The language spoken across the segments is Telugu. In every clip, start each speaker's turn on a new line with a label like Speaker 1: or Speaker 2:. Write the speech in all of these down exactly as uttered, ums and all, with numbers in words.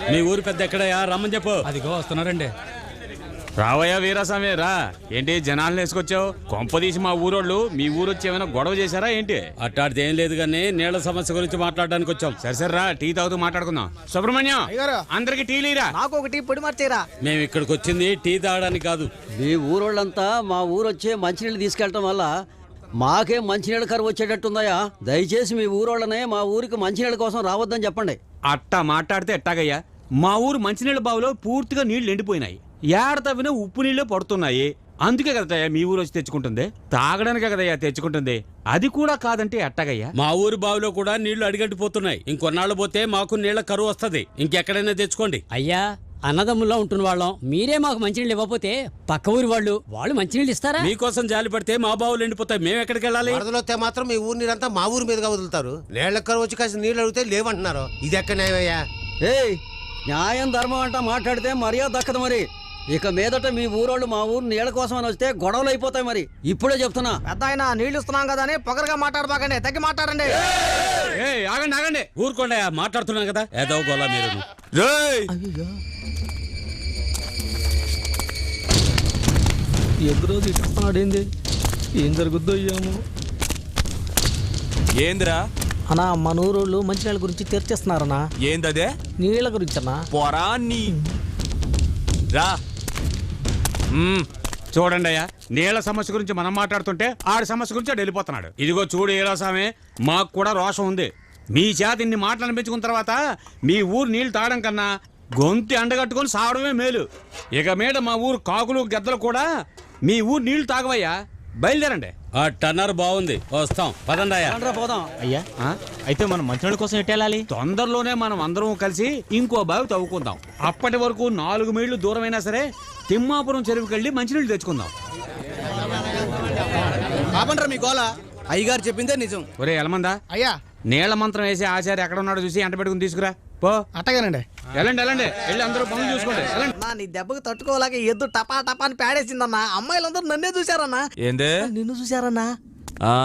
Speaker 1: మీ ఊరు పెద్ద ఎక్కడయా రమ్మని చెప్పు.
Speaker 2: అదిగో వస్తున్నారండి.
Speaker 3: రావయ్యా వీరాస్వామి రా. ఏంటి జనాలను వేసుకొచ్చావు? కొంపదీసి మా ఊరోళ్ళు మీ ఊరు వచ్చి ఏమైనా గొడవ చేశారా ఏంటి?
Speaker 1: అట్టాడితే ఏం లేదు కానీ నీళ్ల సమస్య గురించి మాట్లాడడానికి వచ్చాం.
Speaker 3: సరే సరే రా, టీ తాగుతూ మాట్లాడుకుందాం. సుబ్రహ్మణ్యం అందరికి టీ లీరా.
Speaker 4: నాకు ఒక టీ పొడి మార్చేరా.
Speaker 1: మేము ఇక్కడికి వచ్చింది టీ తాగడానికి కాదు.
Speaker 5: మీ ఊరోళ్ళంతా మా ఊరు వచ్చే మంచినీళ్ళు తీసుకెళ్ళటం వల్ల మాకేం మంచినీళ్ళ కరువు వచ్చేటట్టుందయా. దయచేసి మీ ఊరోళ్ళనే మా ఊరికి మంచినీళ్ళ కోసం రావద్దని చెప్పండి.
Speaker 3: అట్టా మాట్లాడితే ఎట్టాగయ్యా? మా ఊరు మంచినీళ్ళ బావిలో పూర్తిగా నీళ్లు ఎండిపోయినాయి. ఏడ తవ్వినా ఉప్పు నీళ్లు పడుతున్నాయి. అందుకే కదయ్యా మీ ఊరు వచ్చి తెచ్చుకుంటుంది. తాగడానికే కదయ్యా తెచ్చుకుంటుంది. అది కూడా కాదంటే ఎట్టాగయ్యా?
Speaker 1: మా ఊరి బావిలో కూడా నీళ్లు అడిగట్టిపోతున్నాయి. ఇంకొన్నాళ్ళు పోతే మాకు నీళ్ల కరువు వస్తుంది. ఇంకెక్కడైనా తెచ్చుకోండి.
Speaker 6: అయ్యా, అన్నదమ్ముల్లో ఉంటున్న వాళ్ళం మీరే మాకు మంచినీళ్ళు ఇవ్వకపోతే పక్క ఊరి వాళ్ళు వాళ్ళు మంచినీళ్ళు ఇస్తారా?
Speaker 1: మీకోసం జాలి పడితే మా బావులు ఎండిపోతాయి. మేము ఎక్కడికి వెళ్ళాలి?
Speaker 4: వరదలొస్తే మాత్రం మీ ఊరి నీరంతా మా ఊరి మీదుగా వదులుతారు. నీళ్ల కరువు వచ్చి కాసిన నీళ్ళు అడిగితే లేవంటున్నారు. ఇది ఎక్కడ న్యాయమయ్యా?
Speaker 5: ఏయ్, న్యాయం ధర్మం అంటా మాట్లాడితే మర్యాద దక్కదు. మరి ఇక మీదట మీ ఊరోళ్ళు మా ఊరు నీళ్ళ కోసం అని వస్తే గొడవలు అయిపోతాయి. మరి ఇప్పుడే చెప్తున్నా.
Speaker 4: పెద్ద ఆయన నీళ్లు ఇస్తున్నాం కదా అని పొగరగా మాట్లాడబాకండి. తగ్గి మాట్లాడండి.
Speaker 3: ఆగండి ఆగండి
Speaker 1: ఊరుకోండి, మాట్లాడుతున్నాం కదా. ఏదో గోలా మీరు.
Speaker 2: ఎదురు ఇస్తున్నాడేంది? ఏం జరుగుద్దో ఏమో.
Speaker 7: ఏందిరా
Speaker 4: అన్నా, మన ఊరోళ్ళు మంచినీళ్ళ గురించి చర్చిస్తున్నారన్నా.
Speaker 7: ఏందదే?
Speaker 4: నీళ్ళ గురించి అన్నా.
Speaker 7: పొరా నీ రా.
Speaker 3: చూడండి అయ్యా, నీళ్ల సమస్య గురించి మనం మాట్లాడుతుంటే ఆడి సమస్య గురించి ఆడు వెళ్ళిపోతున్నాడు. ఇదిగో చూడు వీరాస్వామి, మాకు కూడా రోషం ఉంది. మీ చేత ఇన్ని మాటలు అనిపించుకున్న తర్వాత మీ ఊరు నీళ్లు తాగడం కన్నా గొంతి అండగట్టుకొని సావడమే మేలు. ఇక మీద మా ఊరు కాకులు గద్దలు కూడా మీ ఊరు నీళ్లు తాగవయ్యా. బయలుదేరండి.
Speaker 1: ఆ టన్నర్ బాగుంది, వస్తాం. పదండి
Speaker 5: పోదాం.
Speaker 7: అయ్యా, అయితే మనం మంచినీళ్ళ కోసం ఎట్టేళ్ళాలి?
Speaker 3: తొందరలోనే మనం అందరం కలిసి ఇంకో బావి తవ్వుకుందాం. అప్పటి వరకు నాలుగు మైళ్ళు దూరమైనా సరే తిమ్మాపురం చెరువుకెళ్ళి మంచినీళ్ళు తెచ్చుకుందాం.
Speaker 2: మీ గోల అయ్యగారు చెప్పిందే నిజం.
Speaker 3: ఒరే ఎలమందా,
Speaker 4: అయ్యా
Speaker 3: నీళ్ల మంత్రం వేసి ఆచార్య ఎక్కడ ఉన్నాడో చూసి ఎంట పెట్టుకుని తీసుకురా పో.
Speaker 4: అట్టగానండి.
Speaker 3: వెళ్ళండి వెళ్ళండి వెళ్ళి అందరూ పనులు చూసుకోండి.
Speaker 4: అన్నా, నీ దెబ్బకు తట్టుకోలేక ఎద్దు టపా టపా అని పేడేసిందన్నా. అమ్మాయిలందరూ నన్నే చూశారన్నా.
Speaker 7: ఏందే?
Speaker 4: నిన్ను చూశారన్నా.
Speaker 7: ఆ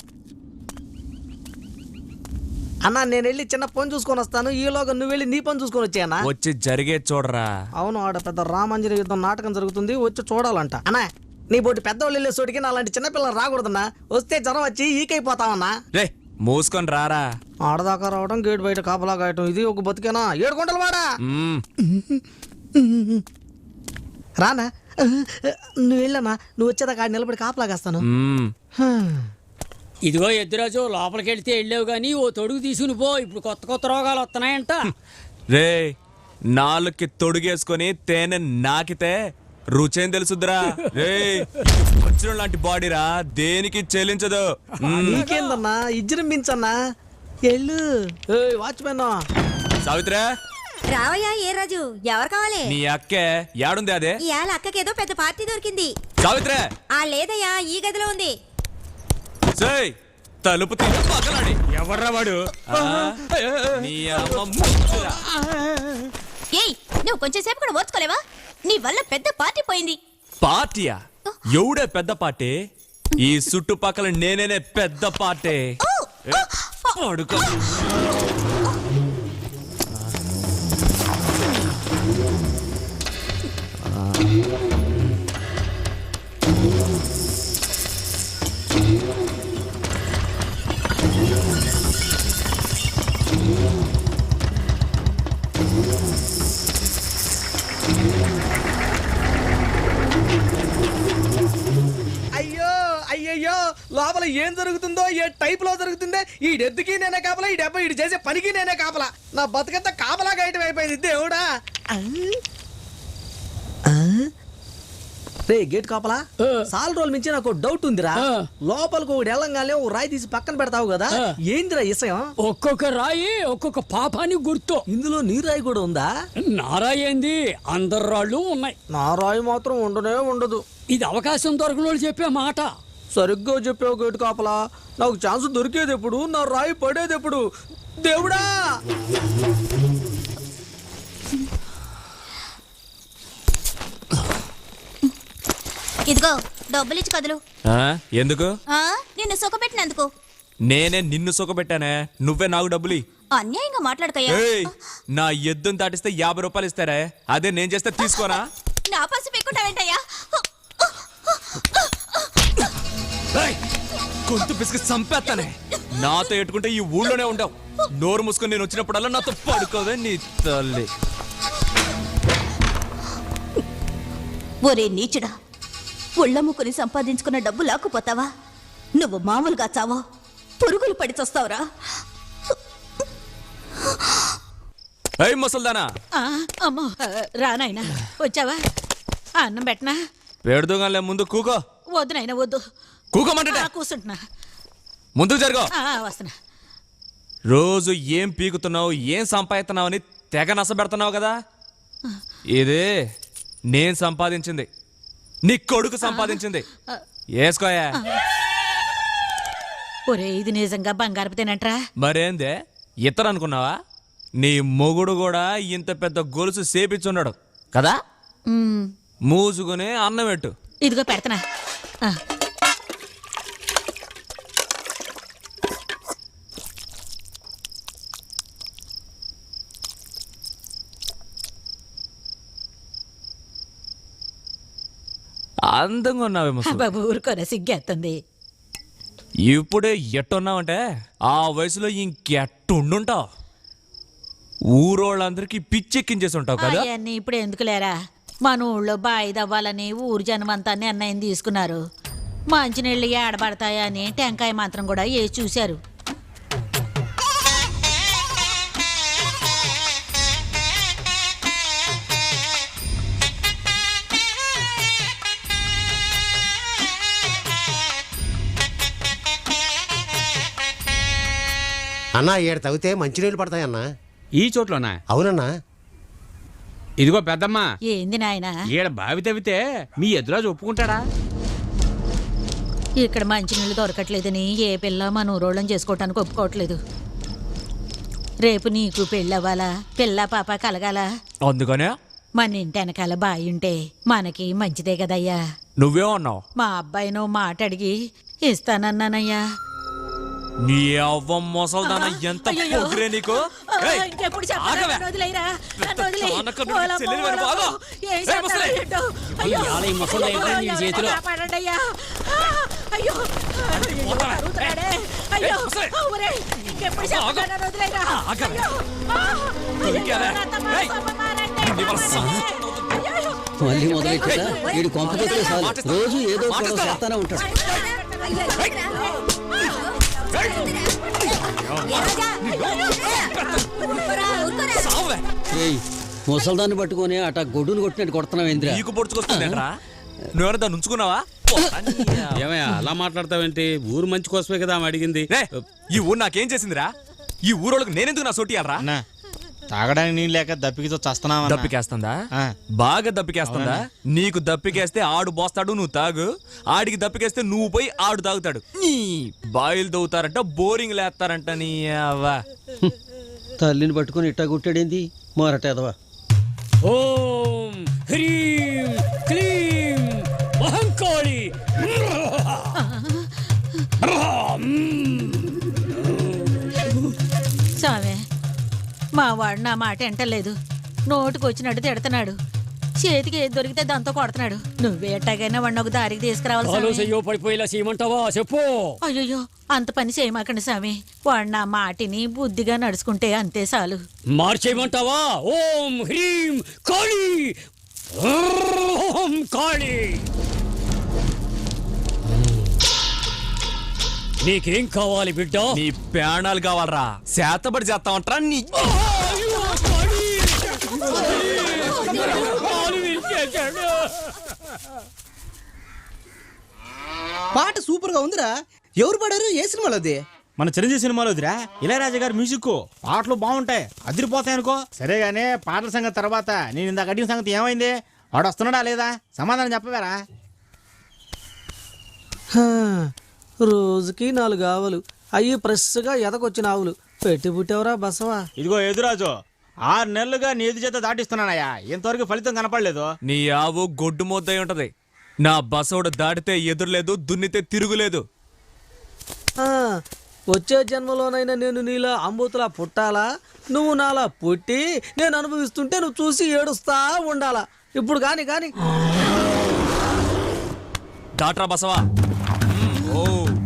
Speaker 4: అన్నా, నేను వెళ్ళి చిన్న పని చూసుకొని వస్తాను. ఈలోగా నువ్వు వెళ్ళి నీ పని చూసుకొని వచ్చాయన్నా.
Speaker 7: వచ్చి జరిగే చూడరా.
Speaker 4: అవును, ఆడ పెద్ద రామాంజన యుద్ధం నాటకం జరుగుతుంది, వచ్చి చూడాలంట. అన్నా, నీ బోటి పెద్దవాళ్ళు వెళ్ళే చోటికి నా లాంటి చిన్నపిల్లలు రాకూడదన్నా. వస్తే జ్వరం వచ్చి ఈకైపోతామన్నా.
Speaker 7: రే మూసుకొని రారా.
Speaker 4: ఆడదాకా రావడం, గేట్ బయట కాపలా కాయటం, ఇది ఒక బతికేనా? ఏడు గుంటలు వాడా. రానా, నువ్వు వెళ్ళనా? నువ్వు వచ్చేదాకా ఆడ నిలబడి కాపలా కాస్తాను.
Speaker 6: ఇదిగో ఎద్దురాజు, లోపలికి వెళ్తే వెళ్ళావు కానీ ఓ తొడుగు తీసుకుని పో. ఇప్పుడు కొత్త కొత్త రోగాలు వస్తున్నాయంట.
Speaker 7: రే, నాలుగుకి తొడుగేసుకొని తేనె నాకితే రుచేం తెలుసుద్రా. రే, వచ్చిన లాంటి బాడీరా, దేనికి చెల్లించదు.
Speaker 4: నీకేందన్నా, ఇజ్జరించన్నా. ఎల్లు వాచ్మెన్.
Speaker 7: సావిత్రా,
Speaker 8: రావయ్యా. ఏ రాజు, ఎవరు కావాలి?
Speaker 7: నీ అక్కే యాడుంది? అదే
Speaker 8: ఇవాళ అక్కకేదో పెద్ద పార్టీ దొరికింది.
Speaker 7: సావిత్రా.
Speaker 8: ఆ లేదయ్యా, ఈ గదిలో ఉంది.
Speaker 7: సై తలుపు తీసి పక్కలాడి.
Speaker 3: ఎవర్రా వాడు?
Speaker 7: నీ అమ్మ ముచ్చురా.
Speaker 8: ఏయ్, నువ్వు కొంచెం సేపు కూడా ఓర్చుకోలేవా? నీ వల్ల పెద్ద పార్టీ పోయింది.
Speaker 7: పార్టీయా? ఎవడే పెద్ద పార్టీ? ఈ చుట్టుపక్కల నేనేనే పెద్ద పార్టీ. పడుకో.
Speaker 4: అయ్యో అయ్యయ్యో, లోపల ఏం జరుగుతుందో, ఏ టైప్ లో జరుగుతుందో. ఈ డెత్తుకి నేనే కాపలా, ఈ డెబ్బ ఇటు చేసే పనికి నేనే కాపలా. నా బతుకంతా కాపలా గాయటం అయిపోయింది. దేవుడా. రే గేట్ కాపలా, సాల్ రోజుల మించి నాకు డౌట్ ఉందిరా. లోపలికి ఒకటి వెళ్ళంగానే ఓ రాయి తీసి పక్కన పెడతావు కదా, ఏందిరా ఇసయం?
Speaker 6: ఒక్కొక్క రాయి ఒక్కొక్క పాపానికి గుర్తు.
Speaker 4: ఇందులో నీ రాయి కూడా ఉందా?
Speaker 6: నా రాయి ఏంది, అందరు రాళ్ళు ఉన్నాయి.
Speaker 4: నా రాయి మాత్రం ఉండనే ఉండదు.
Speaker 6: ఇది అవకాశం దొరకలో చెప్పే మాట.
Speaker 4: సరిగ్గా చెప్పావు గేటు కాపలా. నాకు ఛాన్స్ దొరికేది ఎప్పుడు, నా రాయి పడేది ఎప్పుడు? దేవుడా.
Speaker 8: ఇదిగో డబ్బులు ఇచ్చి కదులు.
Speaker 7: ఎందుకు?
Speaker 8: నిన్ను సుఖపెట్టినందుకు.
Speaker 7: నేనే నిన్ను సుఖపెట్టానే, నువ్వే నాకు డబ్బులు.
Speaker 8: అన్యాయంగా మాట్లాడకయ్యా.
Speaker 7: ఏయ్, నా ఎద్దును దాటిస్తే యాభై రూపాయలు ఇస్తారే, అదే నేను చేస్తే తీసుకోరా?
Speaker 8: నా పసి పెట్టుకుంటావేంటయ్యా?
Speaker 7: ఏయ్, గొంతు పిసికి చంపేస్తానే. నాతో ఎట్టుకుంటే ఈ ఊళ్ళోనే ఉండవు. నోరు మూసుకొని నేను వచ్చినప్పుడల్లా నాతో పడుకోవే నీ తల్లి.
Speaker 8: ఒరే నీచుడా, ఒళ్ళమ్ముకుని సంపాదించుకున్న డబ్బు లాక్కుపోతావా? నువ్వు మామూలుగా చావో, పురుగులు పడి చస్తావురా.
Speaker 7: ఏయ్ ముసల్దానా,
Speaker 9: అమ్మో రానాయనా, వచ్చావా? అన్నం పెట్టనా?
Speaker 7: పెడుదోగానే ముందు కూకో.
Speaker 9: వద్దు నాయనా వద్దు.
Speaker 7: కూకోమంటే
Speaker 9: ఆ, కూర్చుంటున్నా.
Speaker 7: ముందుకు జరుగు.
Speaker 9: ఆ, వస్తున్నా.
Speaker 7: రోజు ఏం పీకుతున్నావు, ఏం సంపాదిస్తున్నావు అని తెగ నసబెడుతున్నావు కదా. ఇదే నేను సంపాదించింది, నీ కొడుకు సంపాదించింది. వేసుకోయా.
Speaker 9: ఒరే ఇది నిజంగా బంగారపు తినంట్రా.
Speaker 7: మరేందే ఇతరు అనుకున్నావా? నీ మొగుడు కూడా ఇంత పెద్ద గొలుసు సేపిచ్చున్నాడు కదా.
Speaker 9: ఉమ్,
Speaker 7: మూసుకుని అన్నం పెట్టు.
Speaker 9: ఇదిగో పెడతనా. ఆ,
Speaker 7: అందంగా ఉన్నావే ముసలి.
Speaker 9: బాబు ఊరుకోరా, సిగ్గేస్తుంది.
Speaker 7: ఇప్పుడే ఎట్టున్నావంటే ఆ వయసులో ఇంకెట్టుండుంటావు. ఊరోళ్ళందరికీ పిచ్చెక్కించేసి ఉంటావు కదా.
Speaker 9: అవన్నీ ఇప్పుడు ఎందుకు లేరా? మన ఊళ్ళో బాయి దవ్వాలని ఊరు జనమంతా నిర్ణయం తీసుకున్నారు. మంచినీళ్ళు ఏడబడతాయా అని టెంకాయ మాత్రం కూడా వేసి చూశారు.
Speaker 10: అన్నా ఏడు తవ్వితే మంచినీళ్ళు పడతాయన్నా.
Speaker 3: ఈ చోట్లోనా?
Speaker 10: అవునన్నా.
Speaker 3: ఇదిగో పెద్దమ్మా,
Speaker 9: ఏంది నాయనా?
Speaker 3: ఈడ బావి తవ్వితే మీ ఎదురాజు ఒప్పుకుంటాడా?
Speaker 9: ఇక్కడ మంచినీళ్ళు దొరకట్లేదని ఏ పిల్ల మన ఊరోళ్ళని చేసుకోవటానికి ఒప్పుకోవట్లేదు. రేపు నీకు పెళ్ళవ్వాలా, పిల్ల పాప కలగాల.
Speaker 7: అందుకనే
Speaker 9: మన ఇంటి వెనకాల బాయి ఉంటే మనకి మంచిదే కదయ్యా.
Speaker 7: నువ్వే అన్నావు.
Speaker 9: మా అబ్బాయినో మాట అడిగి ఇస్తానన్నానయ్యా.
Speaker 7: నీ అవ్వ మొసల్దాన ఎంత పొగిరే నీకు. ఏయ్,
Speaker 9: ఇంకెప్పుడు
Speaker 7: ఆగవే.
Speaker 9: వదిలేరా?
Speaker 7: చానకన్నుడి చెల్లెలు వెనుక ఆగు. ఏయ్, ముసలి.
Speaker 6: ఇవాళ ఈ ముసలి ఏంటో నీ చేతిలో.
Speaker 9: కాపాడండయ్యా. అయ్యో
Speaker 7: పోతావా?
Speaker 9: అరుగుతున్నాడే.
Speaker 7: ఏయ్,
Speaker 9: అయ్యో
Speaker 7: ముసలి.
Speaker 9: ఒరేయ్, ఇంకెప్పుడు చెప్పాను వదిలేరా?
Speaker 7: ఆగవే.
Speaker 9: అయ్యో, ఆ, అయ్యో,
Speaker 7: ఇంకేలే.
Speaker 9: నా తమ్ముడు
Speaker 7: ఏయ్,
Speaker 9: పాపం మారండి.
Speaker 7: నీ వల్ల సమ-
Speaker 9: అయ్యో,
Speaker 5: మళ్ళీ మొదలెట్టా వీడి కొంపకొచ్చే సార్ రోజు ఏదో గొడవ చేస్తానే ఉంటాడు.
Speaker 7: సావే.
Speaker 5: ఏయ్ ముసల్దాన్ని పట్టుకొని అట గొడ్డును కొట్టినట్టు కొడుతున్నావు ఏంద్రా?
Speaker 7: నీకు పొడుచుకొస్తుందేంట్రా? నువ్వెవరైనా దాన్ని ఉంచుకున్నావా?
Speaker 1: ఏమయ్యా అలా మాట్లాడతావేంటి? ఊరు మంచి కోసమే కదా ఆమె అడిగింది.
Speaker 7: రే, ఈ ఊరు నాకేం చేసిందిరా? ఈ ఊరోళ్ళకి నేనెందుకు నా సోటియాలరా?
Speaker 2: తాగడానికి నీళ్ళు లేక దప్పికితో చస్తున్నావా?
Speaker 7: దప్పికేస్తుందా?
Speaker 2: ఆ.
Speaker 7: బాగా దప్పికేస్తుందా? నీకు దప్పికేస్తే ఆడు పోస్తాడు, నువ్వు తాగు. ఆడికి దప్పికేస్తే నువ్వు పోయి ఆడు తాగుతాడు. నీ బాయిలు దవ్వుతారంట, బోరింగ్ లేస్తారంట. నీ అవ్వ.
Speaker 5: తల్లిని పట్టుకొని ఇట్టా కొట్టాడేంది మొరటేదవా?
Speaker 6: ఓం హ్రీం క్లీం మహంకాళి.
Speaker 9: స్వామి, మా వాడు నా మాట ఎంటలేదు. నోటికి వచ్చినట్టు తిడుతున్నాడు. చేతికి ఏది దొరికితే దాంతో కొడుతున్నాడు. నువ్వే ఎట్టాగైనా వాడిని ఒక దారికి తీసుకురావాలి స్వామి.
Speaker 6: ఆలోచయ్యో పడిపోయేలా చేయమంటావా? చెప్పు.
Speaker 9: అయ్యో అంత పని చేయమాకండి స్వామి. వాడు నా మాటిని బుద్ధిగా నడుచుకుంటే అంతే చాలు.
Speaker 6: మార్చేయమంటావా? ఓం హ్రీం కాళి. ఓం కాళి. నీకేం కావాలి బిడ్డ?
Speaker 7: నీ ప్రాణాలు కావాలరా? శాతపడి చేస్తామంటారా? నీ
Speaker 4: పాట సూపర్ గా ఉందిరా. ఎవరు పాడారు? ఏ సినిమాలో అది?
Speaker 2: మన చిరంజీవి సినిమాలో వదిరా ఇళయరాజా గారి మ్యూజిక్. పాటలు బాగుంటాయి, అదిరిపోతాయి అనుకో. సరే గానీ పాటల సంగతి తర్వాత. నేను ఇందాక అడిగిన సంగతి ఏమైంది? వాడు వస్తున్నాడా లేదా? సమాధానం చెప్పవేరా?
Speaker 4: రోజుకి నాలుగు ఆవులు అయ్యి ఫ్రెష్గా ఎదకొచ్చిన ఆవులు పెట్టి పుట్టేవరా బసవా.
Speaker 2: ఇదిగో ఎదురాజు, ఆరు నెలలుగా నీ ఎదు చేత దాటిస్తున్నానయ్యా, ఇంతవరకు ఫలితం కనపడలేదు.
Speaker 7: నీ ఆవు గొడ్డు మొద్దై ఉంటది. నా బసోడు దాటితే ఎదురులేదు, దున్నితే తిరుగులేదు.
Speaker 4: వచ్చే జన్మలోనైనా నేను నీలా అంబూతులా పుట్టాలా నువ్వు నాలా పుట్టి నేను అనుభవిస్తుంటే నువ్వు చూసి ఏడుస్తా ఉండాలా ఇప్పుడు కాని కాని
Speaker 7: దాట్రా బసవా. ఓ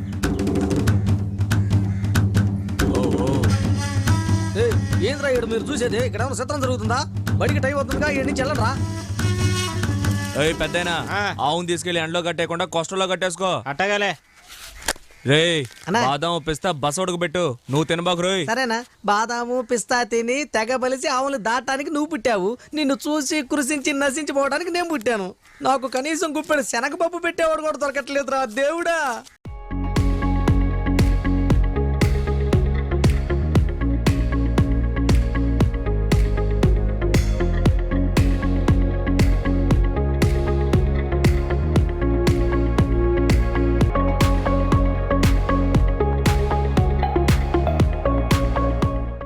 Speaker 4: ఏయ్, ఏంద్రా ఇక్కడ మీరు చూసేది ఇక్కడ ఏమైనా చిత్రం జరుగుతుందా బడికి టైం అవుతుందిగా ఈ నుంచి వెళ్ళరా
Speaker 7: ఏయ్ పెద్దయినా ఆవును తీసుకెళ్లి ఎండలో కట్టేయకుండా కొస్టల్లో కట్టేసుకో.
Speaker 2: అట్టగాలే.
Speaker 7: రే
Speaker 4: అన్నా.
Speaker 7: బాదం పిస్తా బస్ ఉడక పెట్టు, నువ్వు తినబాకు రోయ్.
Speaker 4: సరేనా బాదాము పిస్తా తిని తెగ బలిసి ఆవులు దాటానికి నువ్వు పుట్టావు నిన్ను చూసి కృషించి నశించిపోవడానికి నేను పుట్టాను నాకు కనీసం గుప్పెడు శనగపప్పు పెట్టేవాడు కూడా దొరకట్లేదురా దేవుడా.